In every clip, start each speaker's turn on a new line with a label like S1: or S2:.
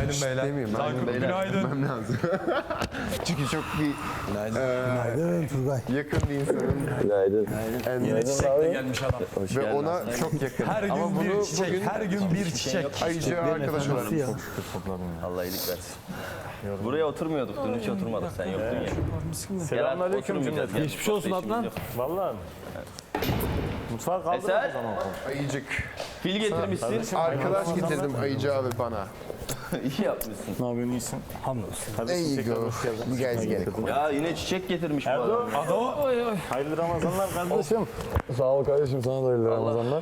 S1: beyler.
S2: Demeyeyim, ben
S1: Tankut
S2: beyler
S1: günaydın.
S2: demem lazım. Çünkü çok bir
S3: Günaydın Turgay.
S2: yakın bir insanın
S1: Yine çiçekle gelmiş adam.
S2: ve ona çok yakın.
S1: Her gün
S2: Ama
S1: bir
S2: bunu
S1: çiçek,
S2: bugün
S1: her gün bir çiçek.
S2: Ayıcı arkadaş olarak
S4: Allah iyilik versin. Buraya oturmuyorduk, dün hiç oturmadık. Sen yoktun ya.
S5: Selamünaleyküm cümleten.
S4: Geçmiş olsun Adnan.
S5: Vallahi mi? Mutfağa kaldırın
S4: Eser,
S5: o zaman.
S2: Ayıcık.
S4: fil getirmişsin.
S2: Arkadaş getirdim Ayıcı abi bana.
S4: İyi yapmışsın.
S5: Ne yapıyorsun, iyisin?
S3: Hamdolsun.
S2: There you go. You guys get it.
S4: Ya yine çiçek getirmiş bu adam.
S5: Erdo. Hayırlı Ramazanlar kardeşim.
S6: Sağ ol kardeşim, sana da hayırlı Ramazanlar.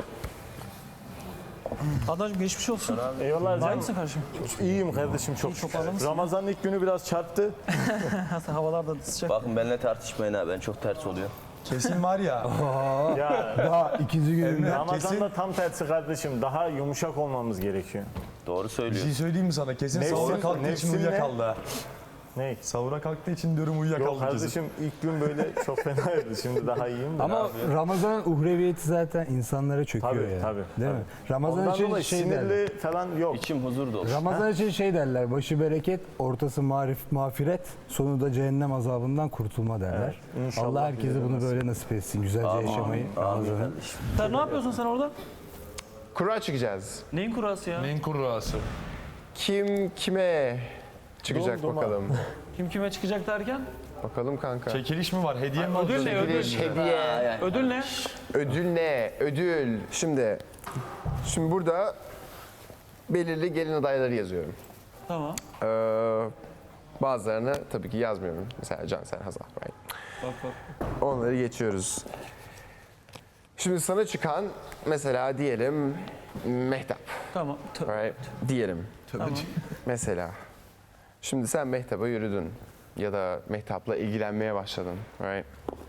S7: Adacığım geçmiş olsun.
S5: Eyvallah
S7: Var
S5: canım.
S7: mısın kardeşim?
S5: İyiyim kardeşim çok. Ramazan'ın ilk günü biraz çarptı.
S7: Havalar da sıcak.
S4: Bakın benimle tartışmayın ha, ben çok ters oluyor.
S1: Kesin var ya.
S5: Ya
S3: Daha ikinci gününde.
S5: Ramazan'da tam tersi kardeşim. Daha yumuşak olmamız gerekiyor.
S4: Doğru
S1: Bir
S4: söylüyor.
S1: şey söyleyeyim mi sana? Kesin
S5: Nefsin-
S1: sahura kalktığı için
S5: nefsin ne?
S1: uyuyakaldı. ha.
S5: Ne?
S1: Sahura kalktığı için diyorum
S5: Yok
S1: uyuyakaldı kesin.
S5: kardeşim ilk gün böyle çok fenaydı. Şimdi daha iyiyim de.
S3: Ama Ramazan'ın uhreviyeti zaten insanlara çöküyor
S5: Tabii,
S3: ya.
S5: tabii,
S3: Değil mi? Ramazan
S5: Ondan
S3: için
S5: dolayı
S3: şey derler.
S5: sinirli falan yok.
S4: İçim huzur dolu.
S3: Ramazan için şey derler. Başı bereket, ortası mağfiret, sonu da cehennem azabından kurtulma derler.
S5: inşallah
S3: Allah herkese
S5: bize de
S3: bunu böyle nasip etsin. Güzelce yaşamayı. Ramazan'ın.
S7: Sen ne yapıyorsun sen orada?
S2: Kura çıkacağız.
S7: Neyin kurası ya?
S1: Neyin kurrası?
S2: Kim kime çıkacak
S5: Dondurma.
S2: bakalım.
S7: Kim kime çıkacak derken?
S2: Bakalım kanka.
S1: Çekiliş mi var? Hediye mi
S7: Ödül
S1: alacağız?
S7: ne? Ödül.
S2: Çekiliş, hediye.
S7: Ödül ne?
S2: Ödül ne? Ödül. Şimdi burada belirli gelin adayları yazıyorum.
S7: Tamam.
S2: Bazılarını tabii ki yazmıyorum. Mesela Cansel, Hazal. Right?
S7: Bak bak.
S2: Onları geçiyoruz. Şimdi sana çıkan mesela diyelim Mehtap.
S7: Tamam.
S2: Right? Diyelim.
S7: Tamam.
S2: Mesela. Şimdi sen Mehtap'a yürüdün. Ya da Mehtap'la ilgilenmeye başladın. Right?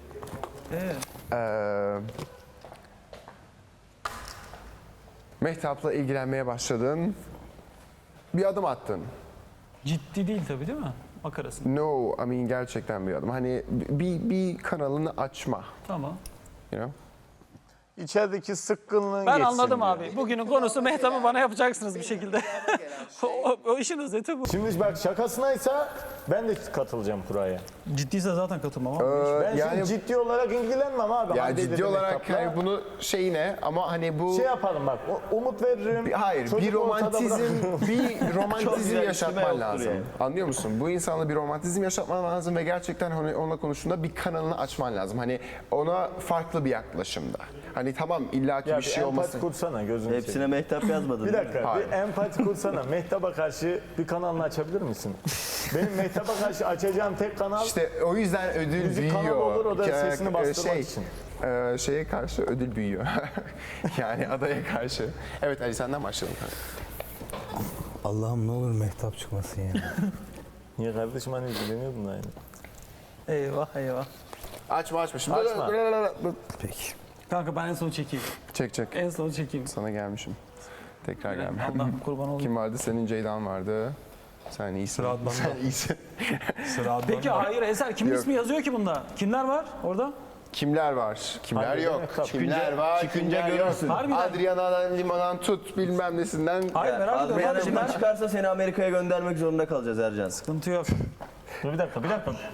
S2: Mehtap'la ilgilenmeye başladın. Bir adım attın.
S7: Ciddi değil tabii değil mi? Makarasın.
S2: No, I mean gerçekten bir adım. Hani bir kanalını açma.
S7: Tamam.
S2: You know?
S5: İçerideki sıkkınlığın
S7: Ben
S5: geçsin
S7: anladım
S5: diyor.
S7: abi. Bugünün konusu Mehtap'ı bana yapacaksınız bir şekilde. o işin özeti bu.
S5: Şimdi bak şakasınaysa ben de katılacağım kuraya.
S7: Ciddiyse zaten katılmam ama.
S5: Ben
S2: yani
S5: şimdi ciddi olarak ilgilenmem abi.
S2: ya
S5: Hande
S2: ciddi
S5: ile
S2: olarak
S5: Mehtap'la.
S2: hani bunu şeyine ama hani bu
S5: Şey yapalım bak, umut veririm.
S2: hayır
S5: çocuk
S2: bir
S5: ortada bırakırım.
S2: romantizm
S4: güzel,
S2: yaşatman
S4: içime
S2: lazım.
S4: yoktur yani.
S2: Anlıyor musun? Bu insanla bir romantizm yaşatman lazım ve gerçekten hani onunla konuştuğunda bir kanalını açman lazım. Hani ona farklı bir yaklaşımda. Hani tamam illaki
S5: Ya
S2: bir
S5: bir
S2: şey
S5: empati
S2: olmasın.
S5: kursana gözünü
S4: Hepsine
S5: seveyim.
S4: mehtap yazmadın.
S5: Bir
S4: değil mi?
S5: dakika,
S2: Hayır.
S5: bir empati kursana. Mehtap'a karşı bir kanalını açabilir misin? Benim Mehtap'a karşı açacağım tek kanal
S2: İşte o yüzden ödül
S5: müzik
S2: büyüyor.
S5: kanalı olur, o da sesini bastırmak
S2: şey,
S5: için.
S2: Şeye karşı ödül büyüyor. Yani adaya karşı. Evet Ali senden başlayalım.
S3: Allah'ım ne olur mehtap çıkmasın ya.
S5: Niye kardeşim hani ilgileniyordun da aynı.
S7: Eyvah eyvah.
S2: Açma. Şimdi
S5: Açma.
S3: Peki.
S7: Kanka ben en son çekeyim.
S2: Çek.
S7: En son çekeyim.
S2: Sana gelmişim. Tekrar gelmem.
S7: Allah'ım kurban olayım.
S2: Kim vardı? Senin Ceydan vardı. Sen iyisin.
S1: Sıra Adnan'da.
S2: Sen iyisin.
S1: Sıra Adnan'da.
S7: Peki hayır Eser kimin
S2: Yok.
S7: ismi yazıyor ki bunda? Kimler var orada?
S2: Kimler var? Kimler
S5: Hadi
S2: yok?
S5: Mehtap.
S2: Kimler var?
S4: çıkınca
S2: kimler
S4: görürsün.
S2: yok?
S7: Harbiden.
S2: Adriana'dan, Liman'dan tut bilmem nesinden.
S7: Hayır merak ediyorum.
S4: Adriana
S7: Hadi
S4: Lima
S7: kimler?
S4: çıkarsa seni Amerika'ya göndermek zorunda kalacağız Ercan.
S7: Sıkıntı yok.
S5: Dur bir dakika.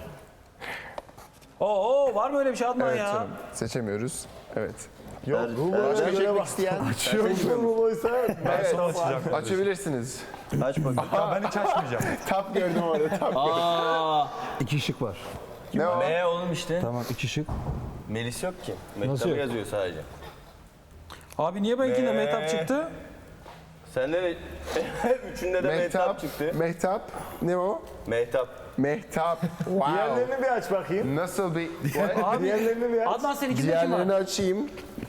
S7: Oo var mı öyle bir şey Adnan
S2: Evet
S7: ya?
S2: canım. Seçemiyoruz. Evet.
S5: Yok,
S2: Başka çekmek isteyen.
S5: Rulo'ysa
S2: Evet.
S1: Sonra açacağım.
S2: Açabilirsiniz.
S4: Aç bakayım.
S1: Ya ben hiç açmayacağım.
S2: Tap gördüm orada. Tap.
S4: Aa,
S3: 2 şık var.
S2: Ne o?
S4: M oğlum işte.
S3: Tamam 2 şık.
S4: Melis yok ki.
S3: Nasıl
S4: Mehtap'ı
S3: yok?
S4: yazıyor sadece.
S7: Abi niye benimkinde Mehtap çıktı?
S4: Sende de üçünde de Mehtap çıktı.
S2: Mehtap. Ne o?
S4: Mehtap.
S2: Mehtap. Wow.
S5: diğerlerini bir aç bakayım.
S2: Nasıl bir...
S7: Abi
S5: Diğerlerini bir aç.
S7: Adnan seninkinde kim
S2: Diğerlerini
S7: var?
S2: açayım.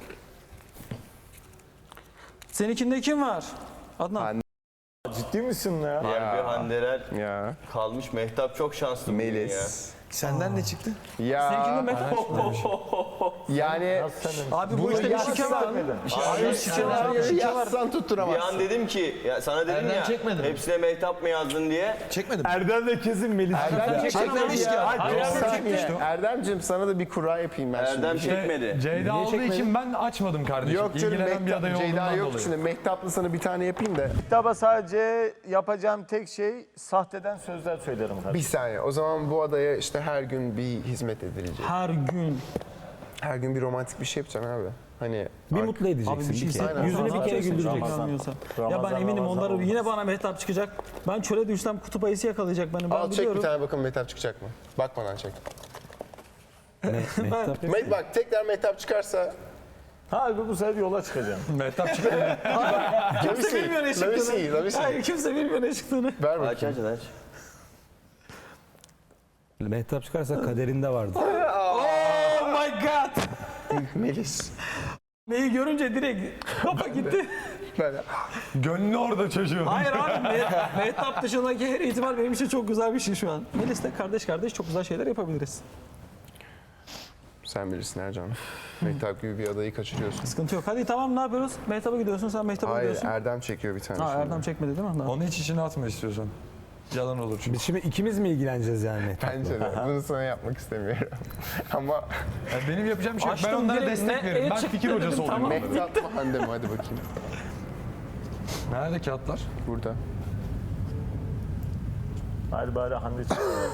S7: Seninkinde kim var? Adnan.
S2: Hande.
S5: Ciddi misin ya?
S4: Harbi Handeler
S2: Ya.
S4: kalmış. Mehtap çok şanslı bugün ya.
S2: Melis.
S1: Senden ne çıktı?
S2: Ya
S7: Seninkinde
S2: yani
S5: Nasıl senin?
S7: Abi bu işte bir şike var.
S2: Hayır,
S7: şike var,
S2: senaryoyu
S7: şike var.
S2: yazsan
S4: Bir
S2: tutturamazsın.
S4: an dedim ki ya sana dedim
S1: Erdem
S4: ya
S1: çekmedi mi?
S4: hepsine mehtap mı yazdın diye.
S1: Çekmedim.
S5: Erdem de kesin Melis.
S2: Erdem
S1: çekmemiş ki.
S2: Erdemciğim sana da bir kura yapayım ben
S4: Erdem
S2: şimdi.
S4: çekmedi.
S1: Ceyda olduğu için ben açmadım kardeşim.
S2: Yok canım
S1: İlgilenen bir aday
S2: Ceyda
S1: olduğundan
S2: yok
S1: dolayı.
S2: şimdi. Mehtaplı sana bir tane yapayım da.
S5: Kitaba sadece yapacağım tek şey sahteden sözler söylerim
S2: Bir
S5: kardeşim.
S2: saniye. O zaman bu adaya işte her gün bir hizmet edilecek.
S7: Her gün.
S2: Her gün bir romantik bir şey yapacaksın abi. Hani
S3: Bir mutlu edeceksin.
S7: Abi bir şey
S3: bir kere.
S7: hissetmiyorum.
S3: Yüzünü bir kere güldüreceksin.
S7: Ya ben eminim
S5: Ramazan
S7: onlar
S5: olmaz.
S7: yine bana mehtap çıkacak. Ben çöle düşsem kutup ayısı yakalayacak beni. Ben
S2: al çek
S7: biliyorum.
S2: bir tane bakın Mehtap çıkacak mı? Bakmadan çek.
S3: Mehtap.
S2: Bak tekrar Mehtap çıkarsa
S5: Harbi bu sefer yola çıkacağım.
S1: Mehtap çıktı.
S7: Kimse bilmiyor ne çıktığını.
S2: Let me see.
S7: Hayır kimse bilmiyor ne çıktığını.
S2: Ver
S4: Aç
S2: bakayım.
S4: aç aç.
S3: Mehtap çıkarsa kaderinde vardı.
S7: Oh my god.
S2: Melis.
S7: Neyi görünce direkt kafa gitti.
S2: Böyle.
S1: Gönlü orada çocuğun.
S7: Hayır abi mehtap dışındaki her ihtimal benim için çok güzel bir şey şu an. Melis'le kardeş çok güzel şeyler yapabiliriz.
S2: Sen bilirsin Ercan. Mehtap gibi bir adayı kaçırıyorsun.
S7: Sıkıntı yok. Hadi tamam ne yapıyoruz? Mehtap'a gidiyorsun sen Mehtap'a
S2: Hayır
S7: gidiyorsun.
S2: Erdem çekiyor bir tane.
S7: Ha
S2: şimdi.
S7: Erdem çekmedi değil mi?
S1: Onu hiç içine atma istiyorsan. Yalan olur çünkü.
S3: Biz şimdi ikimiz mi ilgileneceğiz yani Mehtap'la?
S2: Bence de. Bunu sana yapmak istemiyorum. Ama
S1: Ya benim yapacağım bir şey yok. Ben
S7: Açtım
S1: onlara
S7: direkt,
S1: destek
S7: ne-
S1: veririm. Ben
S7: çıktı
S1: fikir
S7: dedim,
S1: hocası olayım.
S7: tamam.
S2: Mehtap mı Hande mi? Hadi bakayım.
S1: Nerede kağıtlar?
S2: Burada.
S5: Hadi bari Hande çıkıyor.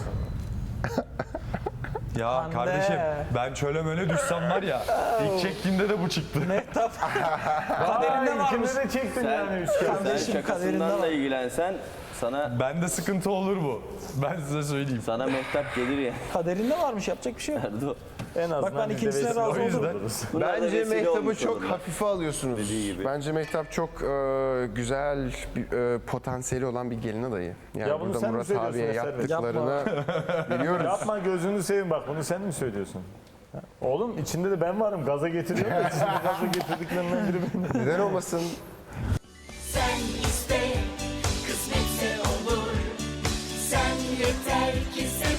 S1: Ya
S7: Hande.
S1: kardeşim ben çöle möle düşsem var ya ilk çektiğimde de bu çıktı.
S7: Mehtap kaderinde varmış.
S5: İkimiz de çektin yani üç kere.
S4: Sen
S7: Kardeşim, kaderinde
S4: şakasından
S7: var.
S4: da ilgilensen sana
S1: Bende sıkıntı olur bu. Ben size söyleyeyim.
S4: sana mehtap gelir ya.
S7: Kaderinde varmış yapacak bir şey yok.
S4: Erdo.
S5: En azından
S7: Bak ben
S5: biz de
S7: ikincisine
S5: vesile
S7: razı
S5: olmuş
S1: oldum.
S5: oluruz.
S4: Bunlar da
S2: Bence
S4: vesile
S2: Mehtap'ı
S4: olmuş
S2: çok
S4: olurlar.
S2: hafife alıyorsunuz.
S4: Dediği gibi.
S2: Bence Mehtap çok güzel bir potansiyeli olan bir gelin adayı. Yani
S5: Ya bunu
S2: burada
S5: sen mi
S2: Murat
S5: söylüyorsun
S2: abiye
S5: Eser Bey?
S2: yaptıklarını biliyoruz.
S5: Yapma gözünü seveyim bak bunu sen mi söylüyorsun? Ha? Oğlum içinde de ben varım gaza getiriyorum da içinde gaza getirdiklerinden biri benim.
S2: Neden olmasın?
S8: Sen iste, kısmetse olur. Sen yeter ki sen